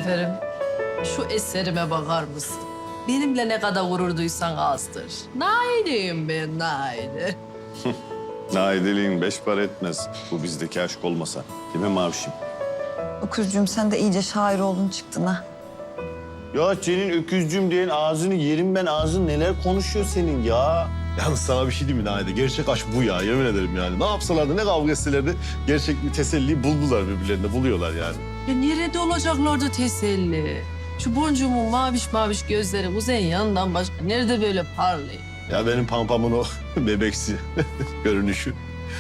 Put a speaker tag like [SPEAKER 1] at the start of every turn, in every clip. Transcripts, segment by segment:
[SPEAKER 1] Seferim, şu eserime bakar mısın? Benimle ne kadar gurur duysan azdır. Naide'yim ben, Naide.
[SPEAKER 2] Naideliğin beş para etmez. Bu bizdeki aşk olmasa. Değil mi Mavişim?
[SPEAKER 3] Öküzcüğüm sen de iyice şair oldun çıktın ha.
[SPEAKER 2] Ya senin öküzcüğüm diyen ağzını yerim ben. Ağzın neler konuşuyor senin ya?
[SPEAKER 4] Yalnız sana bir şey diyeyim mi Naide? Gerçek aşk bu ya, yemin ederim yani. Ne yapsalardı, ne kavga etselerdi gerçek bir teselliyi buldular birbirlerinde, buluyorlar yani.
[SPEAKER 1] Ya nerede olacaklardı teselli? Şu boncuğumun maviş maviş gözleri kuzeyin yanından başka nerede böyle parlıyor?
[SPEAKER 4] Ya benim pampamın o bebeksi görünüşü.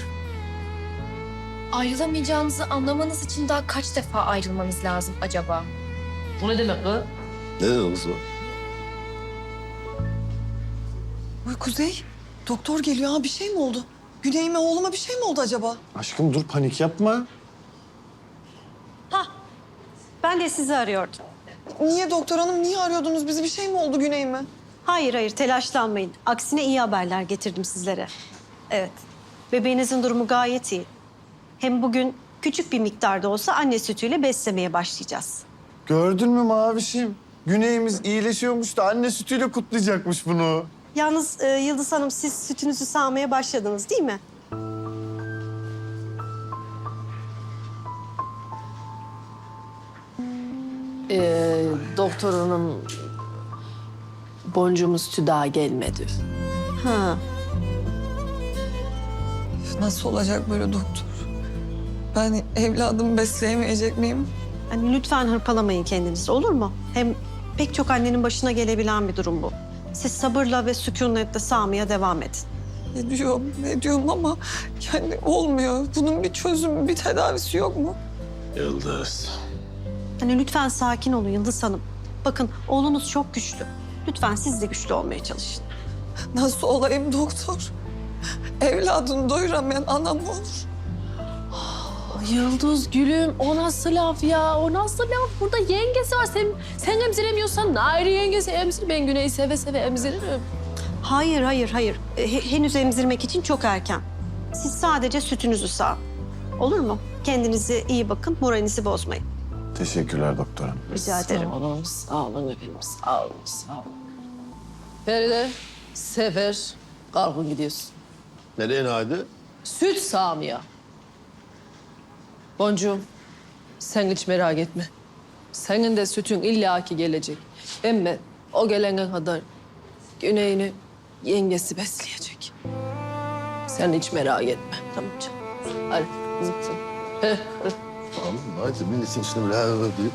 [SPEAKER 5] Ayrılamayacağınızı anlamanız için daha kaç defa ayrılmanız lazım acaba?
[SPEAKER 1] Bu ne demek kız?
[SPEAKER 4] Ne dedi kız o?
[SPEAKER 3] Oy Kuzey, doktor geliyor ha bir şey mi oldu? Güneyime oğluma bir şey mi oldu acaba?
[SPEAKER 2] Aşkım dur panik yapma.
[SPEAKER 6] Ben de sizi arıyordum.
[SPEAKER 3] Niye doktor hanım, niye arıyordunuz bizi? Bir şey mi oldu Güneyime?
[SPEAKER 6] Hayır, telaşlanmayın. Aksine iyi haberler getirdim sizlere. Evet, bebeğinizin durumu gayet iyi. Hem bugün küçük bir miktarda olsa anne sütüyle beslemeye başlayacağız.
[SPEAKER 2] Gördün mü Mavişim? Güneyimiz iyileşiyormuş da anne sütüyle kutlayacakmış bunu.
[SPEAKER 6] Yalnız Yıldız Hanım siz sütünüzü sağmaya başladınız değil mi?
[SPEAKER 1] Doktor hanım, boncuğumuz sütü daha gelmedi.
[SPEAKER 6] Ha.
[SPEAKER 3] Nasıl olacak böyle doktor? Ben evladımı besleyemeyecek miyim?
[SPEAKER 6] Hani lütfen hırpalamayın kendinizi olur mu? Hem pek çok annenin başına gelebilen bir durum bu. Siz sabırla ve sükunetle sağmaya devam edin.
[SPEAKER 3] Ne diyorum ama yani olmuyor. Bunun bir çözümü, bir tedavisi yok mu?
[SPEAKER 4] Yıldız.
[SPEAKER 6] Hani lütfen sakin olun Yıldız Hanım. Bakın oğlunuz çok güçlü. Lütfen siz de güçlü olmaya çalışın.
[SPEAKER 3] Nasıl olayım doktor? Evladını doyuramayan anam mı olur?
[SPEAKER 1] Yıldız gülüm, o nasıl laf ya? O nasıl laf? Burada yengesi var. Sen emziremiyorsan Naire yengesi emzir. Ben Güney'i seve seve emziririm.
[SPEAKER 6] Hayır. Henüz emzirmek için çok erken. Siz sadece sütünüzü sağın. Olur mu? Kendinize iyi bakın, moralinizi bozmayın.
[SPEAKER 2] Teşekkürler doktor hanım.
[SPEAKER 6] Rica ederim.
[SPEAKER 1] Sağ olun efendim, sağ olun, sağ olun. Feride, Sefer, kalkın gidiyorsun.
[SPEAKER 4] Nereye Naide?
[SPEAKER 1] Süt sağmaya. Boncuğum, sen hiç merak etme. Senin de sütün illaki gelecek. Ama o gelene kadar Güney'ini yengesi besleyecek. Sen hiç merak etme. Tamam canım. Hadi zıpsın.
[SPEAKER 4] Tamam Naide, milletin içinde böyle deyip.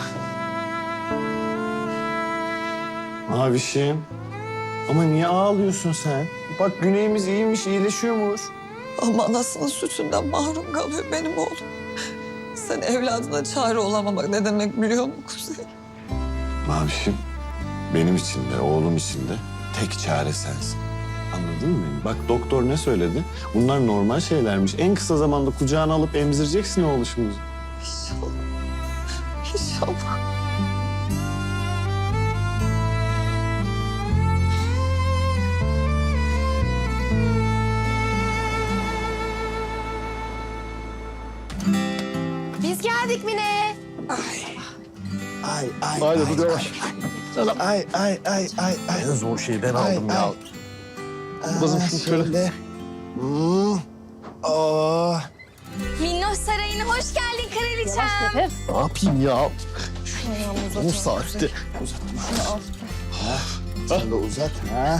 [SPEAKER 2] Mavişim. Ama niye ağlıyorsun sen? Bak Güneyimiz iyiymiş, iyileşiyormuş.
[SPEAKER 3] Ama anasının sütünden mahrum kalıyor benim oğlum. Sen evladına çare olamamak ne demek biliyor musun Kuzey?
[SPEAKER 2] Mavişim, benim için de, oğlum için de tek çare sensin. Anladın mı beni? Bak doktor ne söyledi? Bunlar normal şeylermiş. En kısa zamanda kucağına alıp emzireceksin oğluşumuzu.
[SPEAKER 3] İnşallah. İnşallah.
[SPEAKER 5] Biz geldik Mine.
[SPEAKER 2] Ay, ay,
[SPEAKER 4] Naide dur yavaş.
[SPEAKER 2] ay.
[SPEAKER 4] En zor şeyi ben aldım ya. Kızım şunu şöyle.
[SPEAKER 5] Minnoş Sarayı'na hoş geldin kraliçem.
[SPEAKER 4] Ne yapayım ya? Bu saatte.
[SPEAKER 2] Sen de uzat. Ha?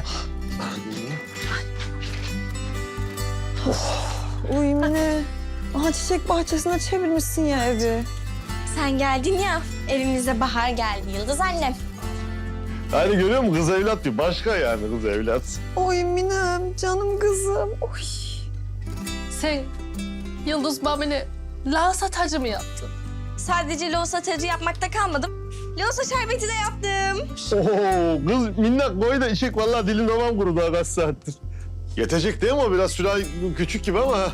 [SPEAKER 3] Uy Mine. Aha çiçek bahçesine çevirmişsin ya evi.
[SPEAKER 5] Sen geldin ya, evimize bahar geldi Yıldız annem.
[SPEAKER 4] Yani görüyor musun? Kız evlat diyor. Başka yani kız evlat.
[SPEAKER 3] Oy Minem, canım kızım. Oy.
[SPEAKER 1] Sen Yıldız Mami'ne lağsa tacı mı yaptın?
[SPEAKER 5] Sadece loğusa tacı yapmakta kalmadım. Loğusa şerbeti de yaptım.
[SPEAKER 4] Oo, kız minnak boyu da içecek. Vallahi dilim damağım kurudu ha kaç saattir. Yetecek değil mi o? Biraz sürahi küçük gibi ama.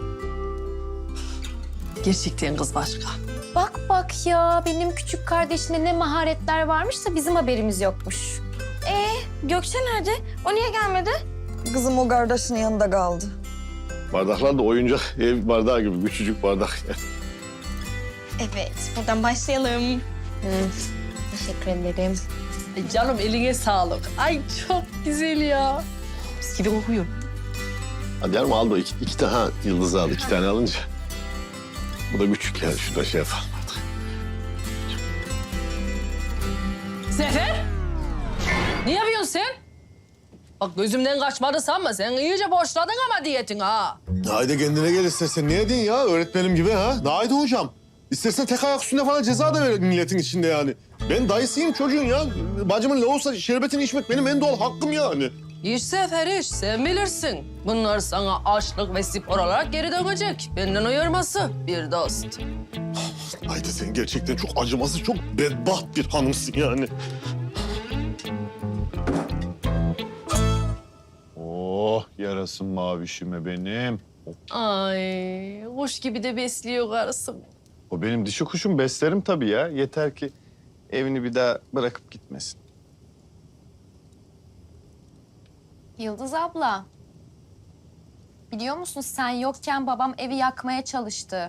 [SPEAKER 1] Gerçekten kız başka.
[SPEAKER 5] Bak ya, benim küçük kardeşinde ne maharetler varmış da bizim haberimiz yokmuş. Gökçe nerede? O niye gelmedi?
[SPEAKER 3] Kızım o kardeşinin yanında kaldı.
[SPEAKER 4] Bardaklar da oyuncak ev bardağı gibi. Küçücük bardak.
[SPEAKER 5] Evet, buradan başlayalım. Teşekkür ederim.
[SPEAKER 1] Ay canım eline sağlık. Ay çok güzel ya. Mis gibi kokuyor.
[SPEAKER 4] Hadi yarım aldı iki tane ha, Yıldız aldı 2 tane alınca. Bu da küçük yani şurada şey yapalım artık.
[SPEAKER 1] Sefer! Ne yapıyorsun sen? Bak gözümden kaçmadı sanma. Sen iyice boşladın ama diyetin ha.
[SPEAKER 4] Naide kendine gel istersen. Niye din ya öğretmenim gibi ha? Naide hocam. İstersen tek ayak üstünde falan ceza da ver milletin içinde yani. Ben dayısıyım çocuğun ya. Bacımın ne olsa şerbetini içmek benim en doğal hakkım yani.
[SPEAKER 1] İş Sefer iş. Sen bilirsin. Bunlar sana açlık ve spor olarak geri dönecek. Benden uyarması bir dost.
[SPEAKER 4] Naide sen gerçekten çok acımasız, çok bedbaht bir hanımsın yani.
[SPEAKER 2] Oh yarasın mavişime benim.
[SPEAKER 1] Ay kuş gibi de besliyor karısı.
[SPEAKER 2] O benim dişi kuşum, beslerim tabii ya. Yeter ki evini bir daha bırakıp gitmesin.
[SPEAKER 5] Yıldız abla. Biliyor musun sen yokken babam evi yakmaya çalıştı.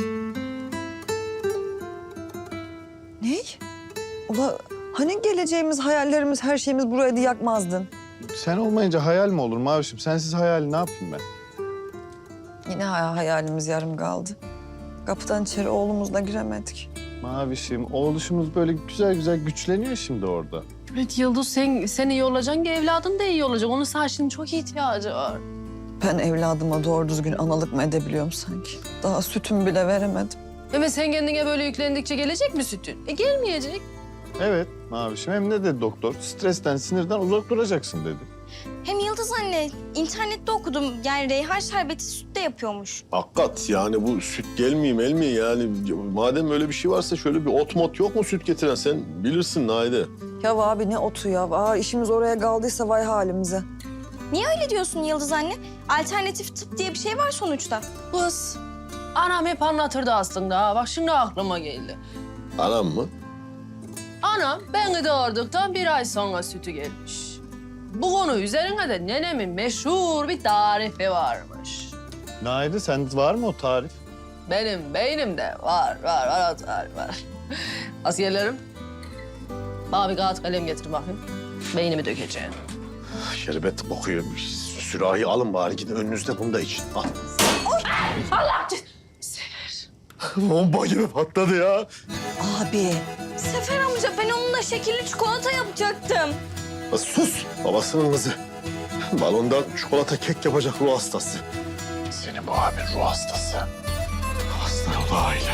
[SPEAKER 3] Ne? Ula hani geleceğimiz, hayallerimiz, her şeyimiz buraydı yakmazdın.
[SPEAKER 2] Sen olmayınca hayal mi olur mavişim? Sensiz hayal ne yapayım ben?
[SPEAKER 3] Yine hayalimiz yarım kaldı. Kapıdan içeri oğlumuzla giremedik.
[SPEAKER 2] Mavişim, oğluşumuz böyle güzel güzel güçleniyor şimdi orada.
[SPEAKER 1] Evet Yıldız sen iyi olacaksın ki evladın da iyi olacak. Onun sana şimdi çok ihtiyacı var.
[SPEAKER 3] Ben evladıma doğru düzgün analık mı edebiliyorum sanki? Daha sütümü bile veremedim.
[SPEAKER 1] Ama sen kendine böyle yüklendikçe gelecek mi sütün? Gelmeyecek.
[SPEAKER 2] Evet mavişim, hem ne dedi doktor? Stresten, sinirden uzak duracaksın dedi.
[SPEAKER 7] Hem Yıldız anne, internette okudum. Yani reyhan şerbeti sütte yapıyormuş.
[SPEAKER 4] Hakikat yani bu süt gelmeyeyim yani. Madem öyle bir şey varsa şöyle bir ot mot yok mu süt getiren? Sen bilirsin Naide.
[SPEAKER 3] Ya abi ne otu ya? İşimiz oraya kaldıysa vay halimize.
[SPEAKER 7] Niye öyle diyorsun Yıldız anne? Alternatif tıp diye bir şey var sonuçta.
[SPEAKER 1] Kız, anam hep anlatırdı aslında ha. Bak şimdi aklıma geldi.
[SPEAKER 4] Anam mı?
[SPEAKER 1] Anam beni doğurduktan 1 ay sonra sütü gelmiş. Bu konu üzerine de nenemin meşhur bir tarifi varmış.
[SPEAKER 2] Naide, sende var mı o tarif?
[SPEAKER 1] Benim beynimde var o tarif var. Asiyerlerim, bana bir kağıt kalem getir bakayım. Beynimi dökeceğim.
[SPEAKER 4] Şerbet kokuyor. Sürahi alın bari gidin önünüzde bunu da için. Al.
[SPEAKER 1] Allah!
[SPEAKER 4] Bomba gibi patladı ya.
[SPEAKER 3] Abi.
[SPEAKER 7] Sefer amca ben onunla şekerli çikolata yapacaktım.
[SPEAKER 4] Sus babasının kızı. Balondan çikolata kek yapacak ruh hastası. Senin bu abin ruh hastası. Hasta oldu aile.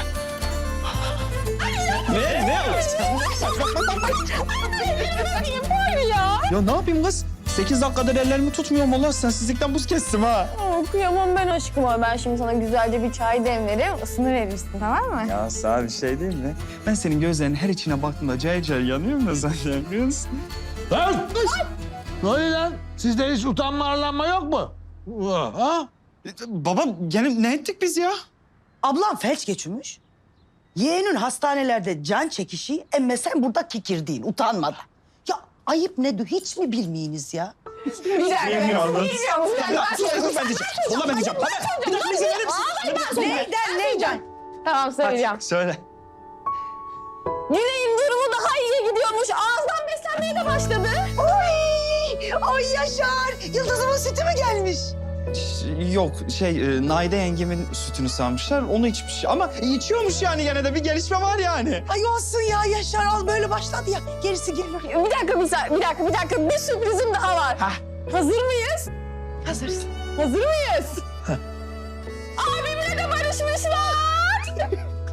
[SPEAKER 8] Ya ne yapayım kız? 8 dakikadır ellerimi tutmuyorum Allah sensizlikten buz kestim ha.
[SPEAKER 9] Kıyamam ben aşkıma. Ben şimdi sana güzelce bir çay demlerim. Isını verirsin tamam mı?
[SPEAKER 8] Ya sana bir şey değil mi? Ben senin gözlerinin her içine baktığımda cayır cayır yanıyorum da zaten biliyor musun?
[SPEAKER 10] Lan! Ne oluyor lan? Sizde hiç utanma arlanma yok mu? Ha?
[SPEAKER 8] Baba gene ne ettik biz ya?
[SPEAKER 11] Ablam felç geçirmiş. Yeğenin hastanelerde can çekişi emme sen burada kikirdiğin utanmadan. Ya ayıp ne hiç mi bilmeyiniz ya?
[SPEAKER 8] Ben diyeceğim. Valla ben diyeceğim. Bir dakika izin verir misin?
[SPEAKER 11] Neyden?
[SPEAKER 9] Tamam söyleyeceğim.
[SPEAKER 8] Söyle.
[SPEAKER 9] Güney'in durumu daha iyiye gidiyormuş. Ağızdan beslenmeye de başladı.
[SPEAKER 11] Ay Yaşar! Yıldızımın sütü mü gelmiş?
[SPEAKER 8] Yok Naide yengemin sütünü sanmışlar onu içmiş ama içiyormuş yani gene de bir gelişme var yani.
[SPEAKER 11] Ay olsun ya Yaşar al böyle başladı ya. Gerisi gelir.
[SPEAKER 9] Bir dakika. Bir sürprizim daha var.
[SPEAKER 8] Hah.
[SPEAKER 9] Hazır mıyız?
[SPEAKER 11] Hazırız.
[SPEAKER 9] Hazır mıyız? Abimle de barışmışlar.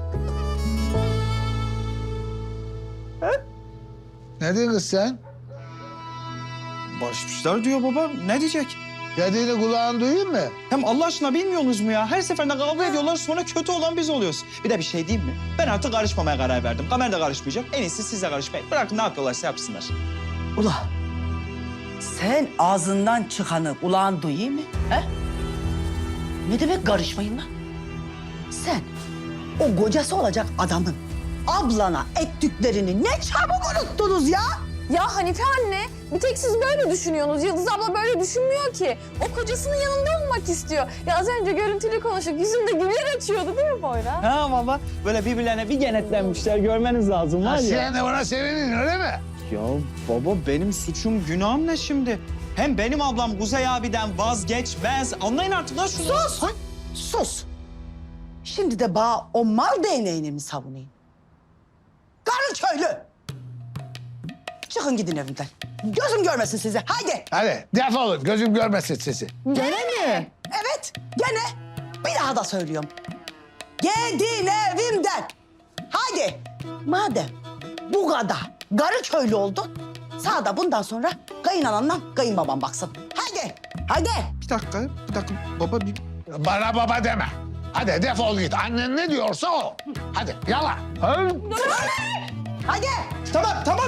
[SPEAKER 10] Ne diyorsun kız sen?
[SPEAKER 8] Barışmışlar diyor baba. Ne diyecek?
[SPEAKER 10] Dediğini kulağın duyuyor mu?
[SPEAKER 8] Hem Allah aşkına bilmiyorsunuz mu ya? Her seferinde kavga ediyorlar sonra kötü olan biz oluyoruz. Bir de bir şey diyeyim mi? Ben artık karışmamaya karar verdim. Kamer de karışmayacak. En iyisi siz de karışmayın. Bırakın ne yapıyorlarsa yapsınlar.
[SPEAKER 11] Ula sen ağzından çıkanı kulağın duyuyor mu? He? Ne demek karışmayın lan? Sen o kocası olacak adamın ablana ettiklerini ne çabuk unuttunuz ya?
[SPEAKER 9] Ya Hanife anne, bir tek siz böyle düşünüyorsunuz. Yıldız abla böyle düşünmüyor ki. O kocasının yanında olmak istiyor. Ya az önce görüntülü konuştuk, yüzünde güller açıyordu değil mi Poyraz?
[SPEAKER 8] Ha baba, böyle birbirlerine bir kenetlenmişler. Görmeniz lazım var ya.
[SPEAKER 10] Sen de buna sevinin öyle mi?
[SPEAKER 8] Ya baba benim suçum, günahım ne şimdi? Hem benim ablam Kuzey abiden vazgeçmez. Anlayın artık lan şunu.
[SPEAKER 11] Sus! Sus! Şimdi de bana o mal değneğini mi savunayım? Karı köylü! Çıkın gidin evimden. Gözüm görmesin sizi. Haydi!
[SPEAKER 10] Hadi defolun gözüm görmesin sizi.
[SPEAKER 11] Gene mi? Evet, gene. Bir daha da söylüyorum. Gidin evimden. Haydi. Madem bu kadar garı köylü oldun, sana da bundan sonra kayınananla kayınbabam baksın. Haydi, haydi.
[SPEAKER 8] Bir dakika baba bir...
[SPEAKER 10] Bana baba deme. Hadi defol git. Annen ne diyorsa o. Hadi yala. Ha?
[SPEAKER 11] Haydi.
[SPEAKER 8] Tamam ya. Tamam.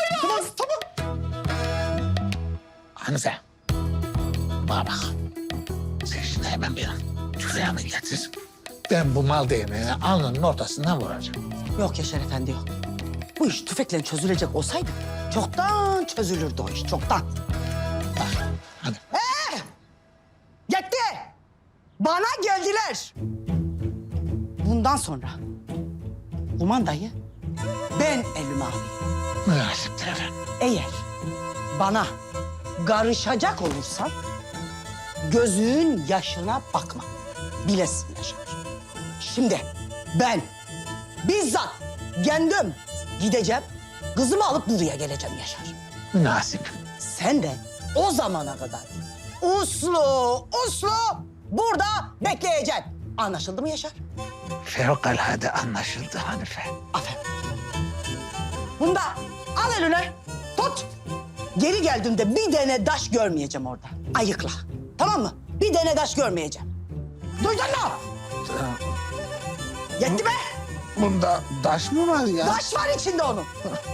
[SPEAKER 10] Hanife. Bana bak. Sen şimdi hemen bir tüfeğimi getir. Ben bu mal değneğini alnının ortasından vuracağım.
[SPEAKER 11] Yok Yaşar Efendi yok. Bu iş tüfekle çözülecek olsaydı çoktan çözülürdü o iş, çoktan.
[SPEAKER 10] Hadi.
[SPEAKER 11] Yetti. Bana geldiler. Bundan sonra kumandayı ben elime alayım.
[SPEAKER 10] Münasiptir efendim.
[SPEAKER 11] Eğer bana karışacak olursan gözün yaşına bakma. Bilesin Yaşar. Şimdi ben bizzat kendim gideceğim, kızımı alıp buraya geleceğim Yaşar.
[SPEAKER 10] Münasip.
[SPEAKER 11] Sen de o zamana kadar uslu burada bekleyeceksin. Anlaşıldı mı Yaşar?
[SPEAKER 10] Fevkalade anlaşıldı Hanife.
[SPEAKER 11] Aferin. Bunu da al eline, tut. Geri geldiğimde bir tane taş görmeyeceğim orada. Ayıkla. Tamam mı? Bir tane taş görmeyeceğim. Duydun mu? Yetti be.
[SPEAKER 10] Bunda taş mı var ya?
[SPEAKER 11] Taş var içinde onun.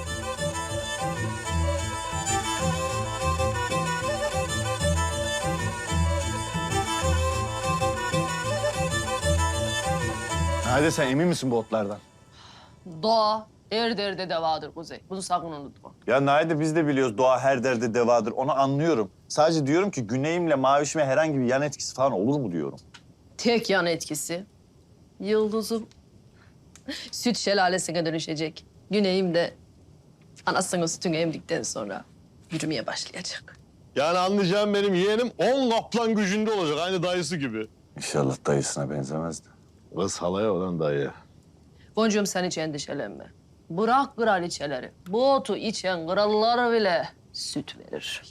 [SPEAKER 2] Hadi sen emin misin bu otlardan?
[SPEAKER 1] Doğa her derde devadır Kuzey. Bunu sakın unutma.
[SPEAKER 2] Ya Naide biz de biliyoruz doğa her derde devadır. Onu anlıyorum. Sadece diyorum ki güneyimle mavişime herhangi bir yan etkisi falan olur mu diyorum.
[SPEAKER 1] Tek yan etkisi Yıldız'ım süt şelalesine dönüşecek. Güneyim de anasının sütünü emdikten sonra yürümeye başlayacak.
[SPEAKER 4] Yani anlayacağım benim yeğenim 10 kaplan gücünde olacak. Aynı dayısı gibi.
[SPEAKER 2] İnşallah dayısına benzemez de.
[SPEAKER 4] Kız halaya olan dayı.
[SPEAKER 1] Boncuğum sen hiç endişelenme. Bırak kraliçeleri. Bu otu içen krallar bile süt verir.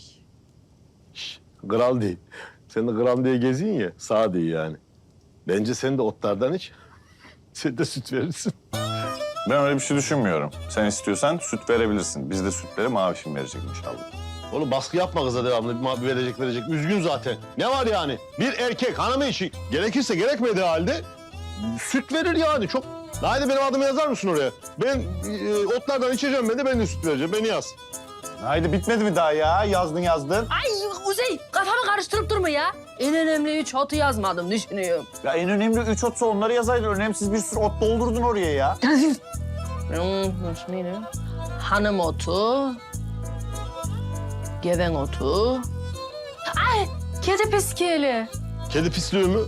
[SPEAKER 4] Kral değil. Sen de kral diye gezin ya. Sağ değil yani. Bence sen de otlardan iç. Sen de süt verirsin.
[SPEAKER 2] Ben öyle bir şey düşünmüyorum. Sen istiyorsan süt verebilirsin. Biz de sütleri mavişim verecek inşallah.
[SPEAKER 4] Oğlum baskı yapma kıza devamlı. Verecek. Üzgün zaten. Ne var yani? Bir erkek hanımı için gerekirse gerekmediği halde süt verir yani. Çok. Haydi benim adımı yazar mısın oraya? Ben otlardan içeceğim ben de süt vereceğim. Beni yaz.
[SPEAKER 2] Haydi bitmedi mi daha ya? Yazdın.
[SPEAKER 1] Ay Kuzey kafamı karıştırıp durma ya. En önemli 3 otu yazmadım düşünüyorum.
[SPEAKER 2] Ya en önemli 3 otsa onları yazaydın. Önemsiz bir sürü ot doldurdun oraya ya.
[SPEAKER 1] Neydi? Hanım otu, geven otu. Ay kedi piskeli.
[SPEAKER 4] Kedi pisliği mi?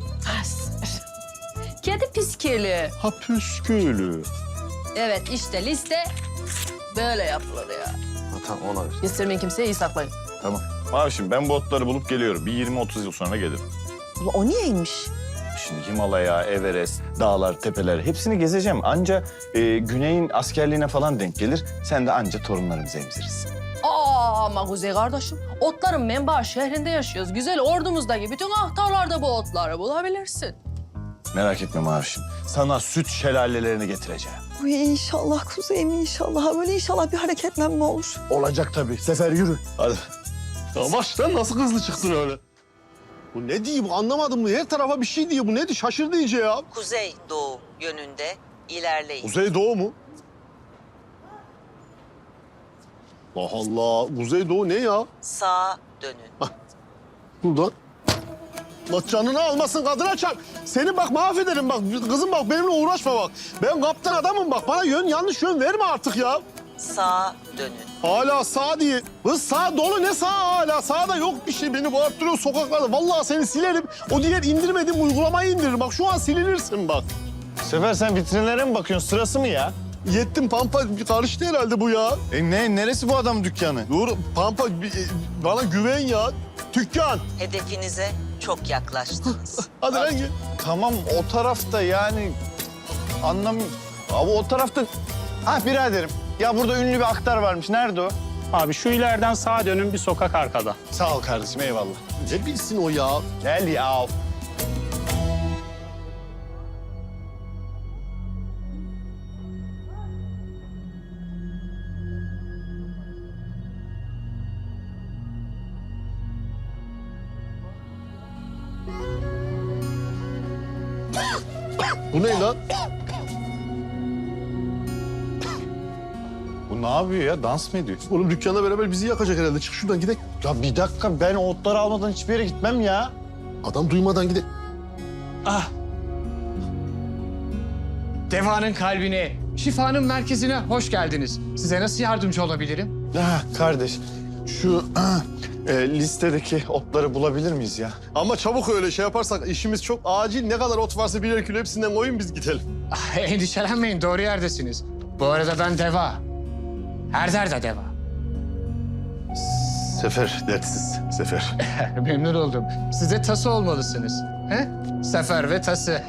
[SPEAKER 1] Kedi piskeli.
[SPEAKER 4] Ha püskülü.
[SPEAKER 1] Evet işte liste böyle yapılır ya.
[SPEAKER 4] Tamam ona ver.
[SPEAKER 1] Göstermeyin kimseye iyi saklayın.
[SPEAKER 2] Tamam. Mavişim ben bu otları bulup geliyorum. Bir 20-30 yıl sonra gelirim.
[SPEAKER 11] O niyeymiş?
[SPEAKER 2] Şimdi Himalaya, Everest, dağlar, tepeler hepsini gezeceğim. Anca Güney'in askerliğine falan denk gelir. Sen de anca torunlarımızı emzirirsin.
[SPEAKER 1] Ama Kuzey kardeşim, otların menbaı şehrinde yaşıyoruz. Güzel ordumuzdaki bütün ahtarlarda bu otları bulabilirsin.
[SPEAKER 2] Merak etme Mavişim. Sana süt şelalelerini getireceğim.
[SPEAKER 3] Uy inşallah Kuzey'im inşallah. Böyle inşallah bir hareketlenme olur.
[SPEAKER 4] Olacak tabii. Sefer yürü. Hadi. Ya baştan nasıl hızlı çıktın öyle? Bu ne diyor bu anlamadım. Her tarafa bir şey diyor. Bu ne diyor? Şaşırdı iyice ya.
[SPEAKER 11] Kuzey doğu yönünde ilerleyin.
[SPEAKER 4] Kuzeydoğu mu? Allah Allah. Kuzeydoğu ne ya?
[SPEAKER 11] Sağa dönün.
[SPEAKER 4] Buradan. Allah canını almasın kadına çarp. Seni bak mahvederim bak. Kızım bak benimle uğraşma bak. Ben kaptan adamım bak. Bana yanlış yön verme artık ya.
[SPEAKER 11] sağa dönün.
[SPEAKER 4] Hala sağ diye. Kız sağ dolu ne sağ hala? Sağda yok bir şey. Beni bağırttırıyor sokaklarda. Vallahi seni silerim. O diğer indirmediğim uygulamayı indirir. Bak şu an silinirsin bak.
[SPEAKER 2] Sefer sen vitrinlere mi bakıyorsun? Sırası mı ya?
[SPEAKER 4] Yettim Pampa. Karıştı herhalde bu ya.
[SPEAKER 2] Neresi bu adamın dükkanı?
[SPEAKER 4] Dur Pampa bana güven ya. Dükkan.
[SPEAKER 11] Hedefinize çok yaklaştınız.
[SPEAKER 4] Hadi lan gel.
[SPEAKER 2] Tamam o tarafta yani Abi o tarafta... Ah biraderim. Ya burada ünlü bir aktar varmış. Nerede o?
[SPEAKER 12] Abi şu ileriden sağa dönün bir sokak arkada.
[SPEAKER 2] Sağ ol kardeşim eyvallah.
[SPEAKER 4] Ne bilsin o ya?
[SPEAKER 2] Gel ya.
[SPEAKER 4] Bu ne lan?
[SPEAKER 2] Bu ne yapıyor ya? Dans mı ediyor?
[SPEAKER 4] Oğlum dükkanla beraber bizi yakacak herhalde. Çık şuradan gidelim.
[SPEAKER 2] Ya bir dakika ben o otları almadan hiçbir yere gitmem ya.
[SPEAKER 4] Adam duymadan gidelim.
[SPEAKER 13] Deva'nın kalbine, şifanın merkezine hoş geldiniz. Size nasıl yardımcı olabilirim?
[SPEAKER 2] Kardeş şu listedeki otları bulabilir miyiz ya?
[SPEAKER 4] Ama çabuk öyle şey yaparsak işimiz çok acil. Ne kadar ot varsa birer kilo hepsinden koyun biz gidelim.
[SPEAKER 13] Endişelenmeyin, doğru yerdesiniz. Bu arada ben Deva. Her derde Deva.
[SPEAKER 4] Sefer, dertsiz Sefer.
[SPEAKER 13] Memnun oldum. Siz de tası olmalısınız. He? Sefer ve tası.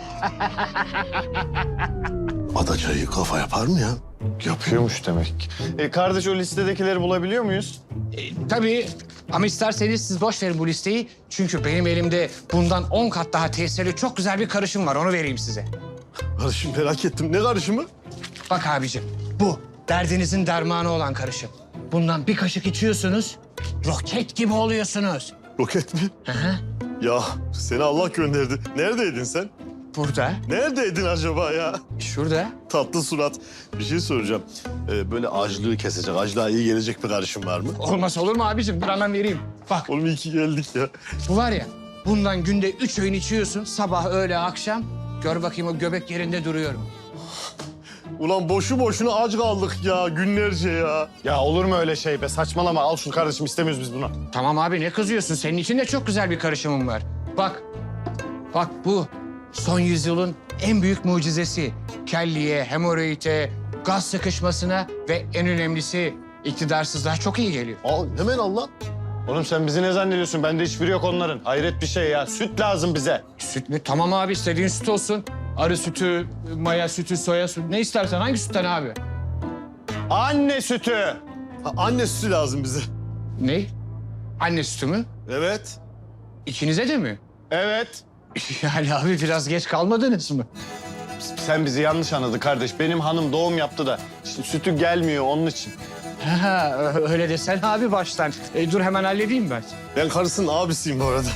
[SPEAKER 4] Adaçayı kafa yapar mı ya?
[SPEAKER 2] Yapıyormuş demek. Kardeş o listedekileri bulabiliyor muyuz?
[SPEAKER 13] Tabii ama isterseniz siz boş verin bu listeyi. Çünkü benim elimde bundan 10 kat daha tesirli çok güzel bir karışım var. Onu vereyim size.
[SPEAKER 4] Karışım merak ettim. Ne karışımı?
[SPEAKER 13] Bak abicim, bu derdinizin dermanı olan karışım. Bundan bir kaşık içiyorsunuz, roket gibi oluyorsunuz.
[SPEAKER 4] Roket mi?
[SPEAKER 13] Hı hı.
[SPEAKER 4] Ya seni Allah gönderdi. Neredeydin sen?
[SPEAKER 13] Burada,
[SPEAKER 4] Neredeydin acaba ya?
[SPEAKER 13] şurada.
[SPEAKER 4] Tatlı surat. Bir şey soracağım. Böyle açlığı kesecek, açlığa iyi gelecek bir karışım var mı?
[SPEAKER 13] Olmaz olur mu abicim? Dur hemen vereyim. Bak,
[SPEAKER 4] Oğlum iyi ki geldik ya.
[SPEAKER 13] bu var ya, bundan günde 3 öğün içiyorsun. Sabah, öğle, akşam. Gör bakayım o göbek yerinde duruyor mu?
[SPEAKER 4] Ulan boşu boşuna aç kaldık ya günlerce ya.
[SPEAKER 2] Ya olur mu öyle şey be? Saçmalama. Al şunu kardeşim istemiyoruz biz bunu.
[SPEAKER 13] Tamam abi, ne kızıyorsun? Senin için de çok güzel bir karışımım var. Bak bu son yüzyılın en büyük mucizesi. Kelliye, hemoroide, gaz sıkışmasına ve en önemlisi iktidarsızlığa çok iyi geliyor.
[SPEAKER 4] Al hemen al lan.
[SPEAKER 2] Oğlum sen bizi ne zannediyorsun? Bende hiçbiri yok onların. Hayret bir şey ya. Süt lazım bize.
[SPEAKER 13] Süt mü? Tamam abi, istediğin süt olsun. Arı sütü, maya sütü, soya sütü. Ne istersen, hangi sütten abi?
[SPEAKER 2] Anne sütü.
[SPEAKER 4] Ha, anne sütü lazım bize.
[SPEAKER 13] Ne? Anne sütü mü?
[SPEAKER 4] Evet.
[SPEAKER 13] İkinize de mi?
[SPEAKER 2] Evet.
[SPEAKER 13] Yani abi biraz geç kalmadınız mı?
[SPEAKER 2] Sen bizi yanlış anladın kardeş. Benim hanım doğum yaptı da işte sütü gelmiyor onun için.
[SPEAKER 13] Ha, öyle desen abi baştan. Dur hemen halledeyim ben.
[SPEAKER 4] Ben karısının abisiyim bu arada.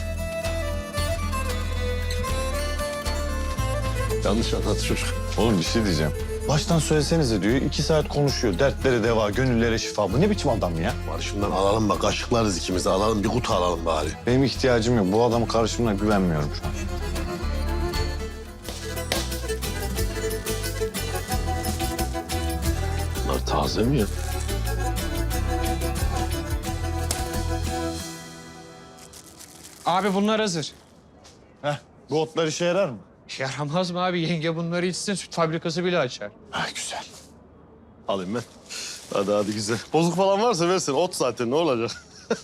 [SPEAKER 4] Yanlış anladı çocuk.
[SPEAKER 2] Oğlum bir şey diyeceğim. Baştan söylesenize diyor. 2 saat konuşuyor. Dertlere deva, gönüllere şifa. Bu ne biçim adam ya?
[SPEAKER 4] Karışımdan alalım bak, kaşıklarız ikimiz de alalım. Bir kutu alalım bari.
[SPEAKER 2] Benim ihtiyacım yok. Bu adamın karışımına güvenmiyorum şu an.
[SPEAKER 4] Bunlar taze mi ya?
[SPEAKER 13] Abi bunlar hazır.
[SPEAKER 2] Heh, bu otlar işe yarar mı?
[SPEAKER 13] Yaramaz mı abi? Yenge bunları içsin, süt fabrikası bile açar.
[SPEAKER 2] Ha, güzel.
[SPEAKER 4] Alayım ben. Hadi güzel. Bozuk falan varsa versin. Ot zaten ne olacak?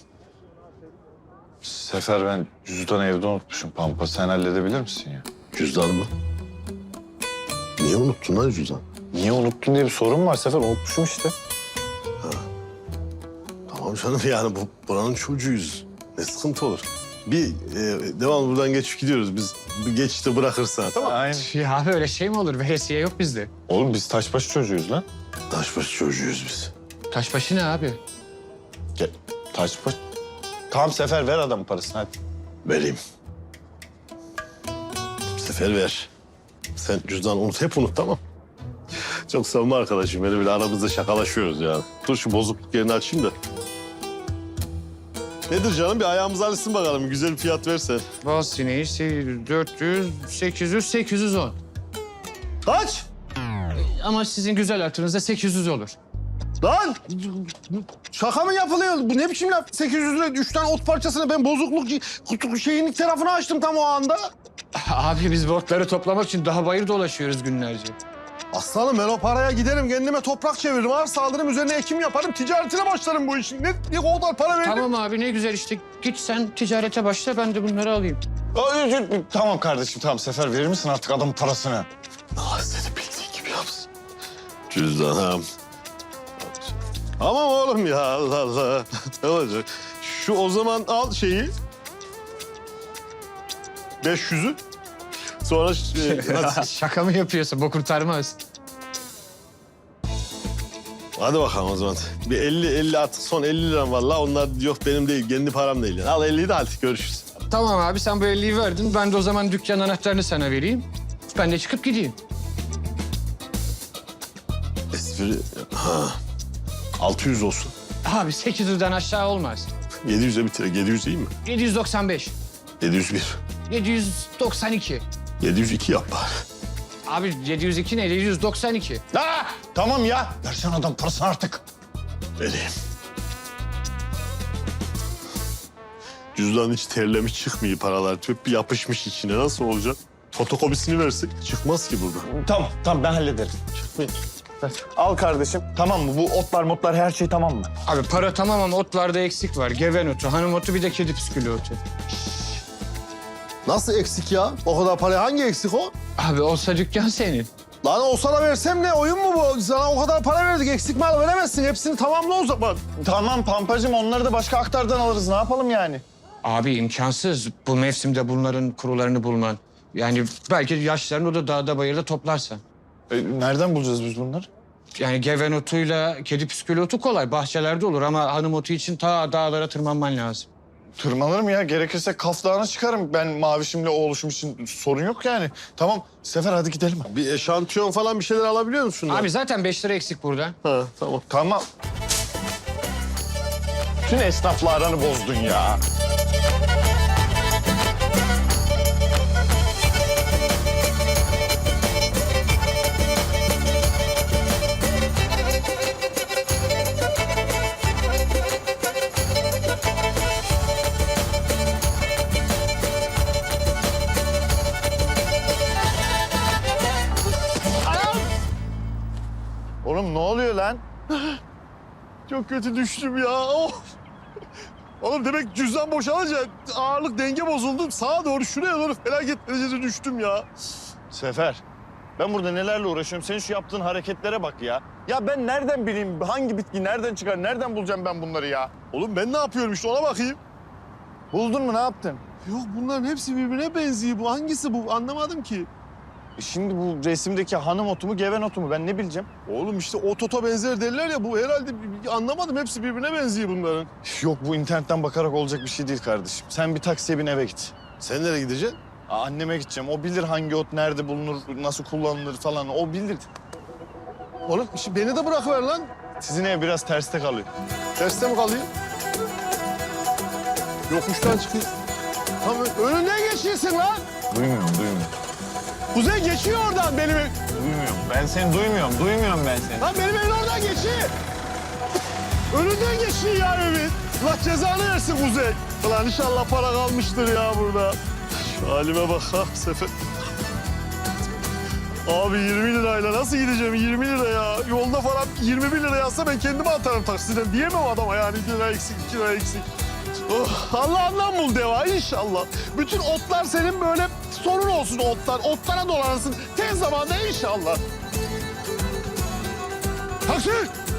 [SPEAKER 2] Sefer ben cüzdanı evde unutmuşum Pampa. Sen halledebilir misin ya?
[SPEAKER 4] Cüzdan mı? Niye unuttun lan cüzdan?
[SPEAKER 2] Niye unuttun diye bir sorun var Sefer. Unutmuşum işte.
[SPEAKER 4] Tamam canım yani buranın çocuğuyuz. Ne sıkıntı olur. Devamlı buradan geçip gidiyoruz. Biz bir geçişte bırakırsan tamam.
[SPEAKER 2] Aynen.
[SPEAKER 13] Ya abi öyle şey mi olur? Veresiye yok bizde.
[SPEAKER 2] Oğlum biz taşbaşı çocuğuyuz lan.
[SPEAKER 4] Taşbaşı çocuğuyuz biz.
[SPEAKER 13] Taşbaşı ne abi?
[SPEAKER 2] Gel. Taşbaşı. Tamam Sefer ver adamın parasını hadi.
[SPEAKER 4] Vereyim. Sefer ver. Sen cüzdanı unut, hep unut tamam. Çok samimi arkadaşım. Böyle aramızda şakalaşıyoruz ya. Dur şu bozukluk yerini açayım da. Nedir canım? Bir ayağımızı alışsın bakalım. Güzel bir fiyat verse.
[SPEAKER 13] Bal sineği 400, 800, 810.
[SPEAKER 4] Kaç?
[SPEAKER 13] Ama sizin güzel hatırınızda 800 olur.
[SPEAKER 4] Lan şaka mı yapılıyor? Bu ne biçim laf? 800 lira 3 tane ot parçasını ben bozukluk şeyin tarafını açtım tam o anda.
[SPEAKER 13] Abi biz bu otları toplamak için daha bayır dolaşıyoruz günlerce.
[SPEAKER 4] Aslanım ben o paraya giderim kendime toprak çeviririm. Arsa alırım üzerine ekim yaparım ticaretine başlarım bu işin. Ne o kadar para veririm?
[SPEAKER 13] Tamam abi ne güzel işte. Git sen ticarete başla ben de bunları alayım.
[SPEAKER 4] Tamam kardeşim tamam Sefer verir misin artık adamın parasını? Allah seni bildiği gibi yapsın. Cüzdanım. Tamam oğlum ya Allah Allah. Ne olacak? Şu o zaman al şeyi. 500'ü. Sonra
[SPEAKER 13] Şaka mı yapıyorsun? Bu kurtarmaz.
[SPEAKER 4] hadi bakalım o zaman. Bir 50 artık son 50 liram var la. Onlar yok benim değil kendi param değil. Yani. Al 50'yi de hadi görüşürüz.
[SPEAKER 13] Tamam abi sen bu 50'yi verdin. Ben de o zaman dükkan anahtarını sana vereyim. Ben de çıkıp gideyim.
[SPEAKER 4] Espri... Ha. 600 olsun.
[SPEAKER 13] Abi 800'den aşağı olmaz.
[SPEAKER 4] 700'e bitir. 700 değil mi?
[SPEAKER 13] 795.
[SPEAKER 4] 701.
[SPEAKER 13] 792.
[SPEAKER 4] 702 yap bari.
[SPEAKER 13] Abi 702 ne? 792.
[SPEAKER 4] Tamam ya. Versene adam parasını artık. Vereyim. Cüzdan hiç terlemiş çıkmıyor paralar. Tüp bir yapışmış içine. Nasıl olacak? Fotokopisini versek çıkmaz ki burada.
[SPEAKER 8] Tamam ben hallederim.
[SPEAKER 4] Çıkmıyor.
[SPEAKER 8] Al kardeşim. Tamam mı? Bu otlar her şey tamam mı?
[SPEAKER 13] Abi para tamam ama otlarda eksik var. Geven otu, hanım otu bir de kedi püskülü otu.
[SPEAKER 4] Nasıl eksik ya? O kadar para hangi eksik o?
[SPEAKER 13] Abi olsa dükkan senin.
[SPEAKER 4] Lan olsa da versem ne? Oyun mu bu? Sana o kadar para verdik. Eksik mal veremezsin. Hepsini tamamla o zaman.
[SPEAKER 8] Tamam Pampacığım onları da başka aktardan alırız. Ne yapalım yani?
[SPEAKER 13] Abi imkansız bu mevsimde bunların kurularını bulman. Yani belki yaşlarını o da dağda bayırda toplarsa.
[SPEAKER 8] Nereden bulacağız biz bunları?
[SPEAKER 13] Yani geven otuyla kedi püskülü otu kolay. Bahçelerde olur ama hanım otu için ta dağlara tırmanman lazım.
[SPEAKER 8] Tırmanırım ya. Gerekirse Kaf Dağı'na çıkarım. Ben Mavişim'le oğluşum için sorun yok yani. Tamam Sefer hadi gidelim.
[SPEAKER 4] Bir eşantiyon falan bir şeyler alabiliyor musun?
[SPEAKER 13] Abi zaten 5 lira eksik burada.
[SPEAKER 4] Ha tamam.
[SPEAKER 8] Tamam. Bütün esnafla aranı bozdun ya. Oğlum ne oluyor lan?
[SPEAKER 4] Çok kötü düştüm ya. Oh. Oğlum demek cüzdan boşalınca ağırlık denge bozuldu. Sağa doğru şuraya doğru felaket derecede düştüm ya.
[SPEAKER 8] Sefer, ben burada nelerle uğraşıyorum. Senin şu yaptığın hareketlere bak ya. Ya ben nereden bileyim hangi bitki nereden çıkar, nereden bulacağım ben bunları ya?
[SPEAKER 4] Oğlum ben ne yapıyorum işte ona bakayım.
[SPEAKER 8] Buldun mu ne yaptın?
[SPEAKER 4] Yok bunların hepsi birbirine benziyor. Bu hangisi bu anlamadım ki.
[SPEAKER 8] Şimdi bu resimdeki hanım otu mu geven otu mu ben ne bileceğim?
[SPEAKER 4] Oğlum işte otota benzer derler ya bu herhalde anlamadım. Hepsi birbirine benziyor bunların.
[SPEAKER 8] Yok bu internetten bakarak olacak bir şey değil kardeşim. Sen bir taksiye bin eve git.
[SPEAKER 4] Sen nereye gideceksin?
[SPEAKER 8] Anneme gideceğim. O bilir hangi ot nerede bulunur, nasıl kullanılır falan. O bilir.
[SPEAKER 4] Oğlum beni de bırakıver lan.
[SPEAKER 8] Sizin ev biraz terste kalıyor.
[SPEAKER 4] Terste mi kalıyor? Yokuştan çıkıyor. Tamam önünden geçiyorsun lan.
[SPEAKER 8] Duymuyorum.
[SPEAKER 4] Kuzey geçiyor oradan benim ev.
[SPEAKER 8] Duymuyorum. Ben seni duymuyorum. Duymuyorum ben seni.
[SPEAKER 4] Lan benim evin oradan geçiyor. Önünden geçiyor ya evin. Allah cezanı versin Kuzey. Ulan inşallah para kalmıştır ya burada. Şu halime bak ha Sefer. Abi 20 lirayla nasıl gideceğim 20 lira ya? Yolda falan 21 lira yazsa ben kendime atarım taksiden. Diyemem adama yani 1 lira eksik 2 lira eksik. Oh, Allah'ından bul deva inşallah. Bütün otlar senin böyle sorun olsun otlar. Otlara dolanırsın tez zamanda inşallah. Taksi!